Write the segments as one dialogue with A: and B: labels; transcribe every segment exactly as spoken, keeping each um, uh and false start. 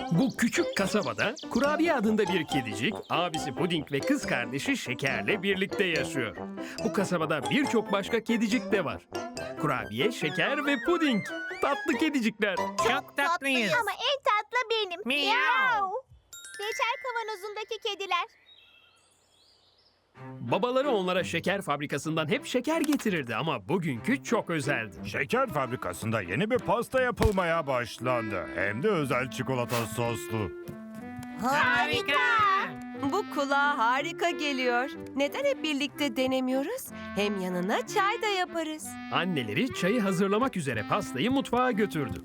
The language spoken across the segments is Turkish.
A: Bu küçük kasabada Kurabiye adında bir kedicik, abisi Puding ve kız kardeşi Şeker'le birlikte yaşıyor. Bu kasabada birçok başka kedicik de var. Kurabiye, Şeker ve Puding. Tatlı kedicikler.
B: Çok tatlıyız.
C: Ama en tatlı benim.
B: Miyav.
C: Reçel kavanozundaki kediler.
A: Babaları onlara şeker fabrikasından hep şeker getirirdi ama bugünkü çok özeldi.
D: Şeker fabrikasında yeni bir pasta yapılmaya başlandı. Hem de özel çikolata soslu.
B: Harika.
E: Bu kulağa harika geliyor. Neden hep birlikte denemiyoruz? Hem yanına çay da yaparız.
A: Anneleri çayı hazırlamak üzere pastayı mutfağa götürdü.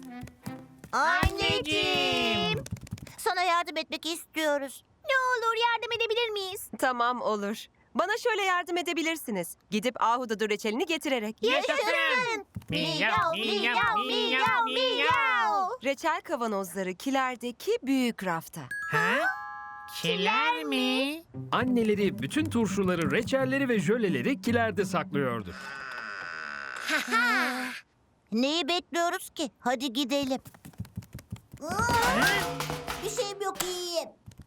C: Anneciğim. Sana yardım etmek istiyoruz. Ne olur yardım edebilir miyiz?
E: Tamam olur. Bana şöyle yardım edebilirsiniz. Gidip ahududu reçelini getirerek.
B: Yaşasın. Miyav, miyav, miyav, miyav.
E: Reçel kavanozları kilerdeki büyük rafta.
B: Ha? Kiler mi?
A: Anneleri bütün turşuları, reçelleri ve jöleleri kilerde saklıyordu.
C: Neyi bekliyoruz ki? Hadi gidelim. Bir şeyim yok, iyiyim.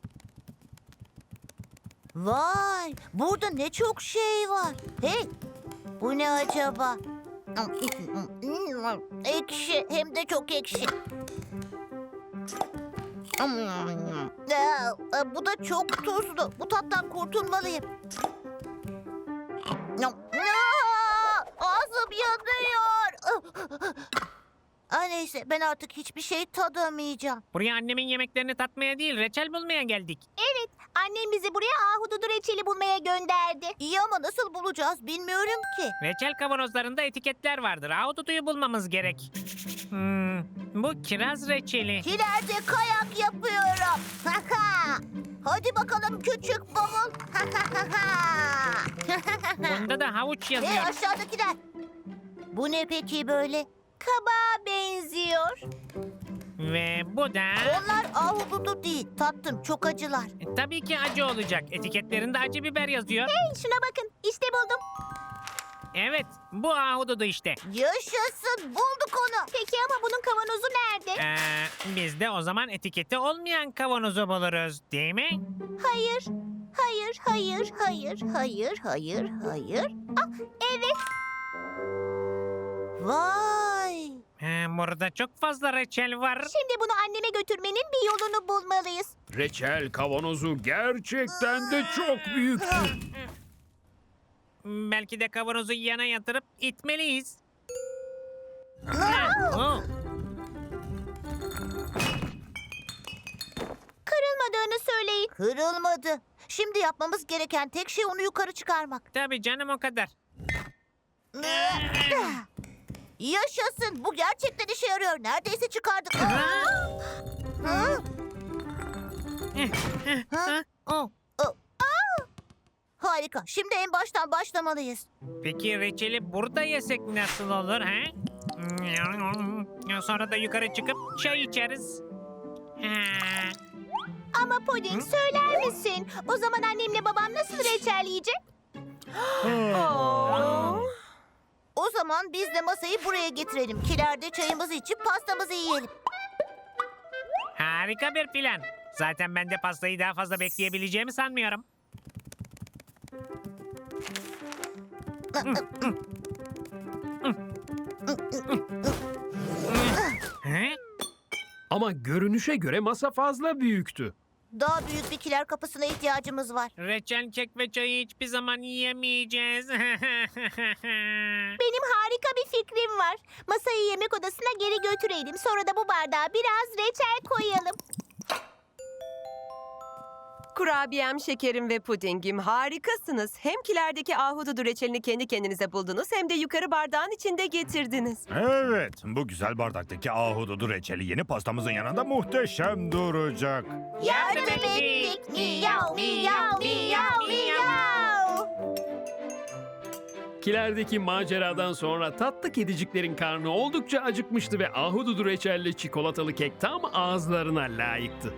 C: Vay, burada ne çok şey var. Hey, bu ne acaba? Ekşi, hem de çok ekşi. Aa, bu da çok tuzlu. Bu tattan kurtulmalıyım. Aa, ağzım yanıyor. Aa, neyse, ben artık hiçbir şey tadamayacağım.
B: Buraya annemin yemeklerini tatmaya değil, reçel bulmaya geldik.
C: Evet, annem bizi buraya ahududu reçeli bulmaya gönderdi. İyi ama nasıl bulacağız bilmiyorum ki.
B: Reçel kavanozlarında etiketler vardır. Ahududuyu bulmamız gerek. Hmm, bu kiraz reçeli.
C: Kilerde kayak yapıyorum. Hadi bakalım küçük bavul.
B: Bunda da havuç
C: Ve
B: yazıyor.
C: aşağıdakiler. Bu ne peki böyle? Kabağa benziyor.
B: Ve bu da...
C: Onlar ahududu değil. Tattım, çok acılar.
B: E, tabii ki acı olacak. Etiketlerinde acı biber yazıyor.
C: Hey, şuna bakın. İşte buldum.
B: Evet, bu ahududu işte.
C: Yaşasın, bulduk onu. Peki ama bunun kavanozu nerede?
B: Ee, biz de o zaman etiketi olmayan kavanozu buluruz, değil mi?
C: Hayır, hayır, hayır, hayır, hayır, hayır, hayır. Ah, evet. Vay.
B: Ee, burada çok fazla reçel var.
C: Şimdi bunu anneme götürmenin bir yolunu bulmalıyız.
A: Reçel kavanozu gerçekten de çok büyüktü.
B: Belki de kavanozu yana yatırıp itmeliyiz. Oh,
C: Kırılmadığını söyleyin. Kırılmadı. Şimdi yapmamız gereken tek şey onu yukarı çıkarmak.
B: tabii canım o kadar.
C: Yaşasın. Bu gerçekten işe yarıyor. Neredeyse çıkardık. Hı?
B: Ha, oh.
C: Harika. Şimdi en baştan başlamalıyız.
B: Peki reçeli burada yesek nasıl olur ha? Sonra da yukarı çıkıp çay içeriz. Ha.
C: Ama Puding, söyler misin? O zaman annemle babam nasıl reçel yiyecek?
E: Oo.
C: O zaman biz de masayı buraya getirelim. Kilerde çayımızı içip pastamızı yiyelim.
B: Harika bir plan. Zaten ben de pastayı daha fazla bekleyebileceğimi sanmıyorum. He?
A: Ama görünüşe göre masa fazla büyüktü.
C: Daha büyük bir kiler kapısına ihtiyacımız var.
B: Reçel, kek ve çayı hiçbir zaman yiyemeyeceğiz.
C: Benim harika bir fikrim var. Masayı yemek odasına geri götürelim. Sonra da bu bardağa biraz reçel koyalım.
E: Kurabiyem, şekerim ve pudingim harikasınız. Hem kilerdeki ahududu reçelini kendi kendinize buldunuz hem de yukarı bardağın içinde getirdiniz.
D: Evet, bu güzel bardaktaki ahududu reçeli yeni pastamızın yanında muhteşem duracak.
C: Yardım ettik. Miyav, miyav, miyav, miyav.
A: Kilerdeki maceradan sonra tatlı kediciklerin karnı oldukça acıkmıştı ve ahududu reçelli çikolatalı kek tam ağızlarına layıktı.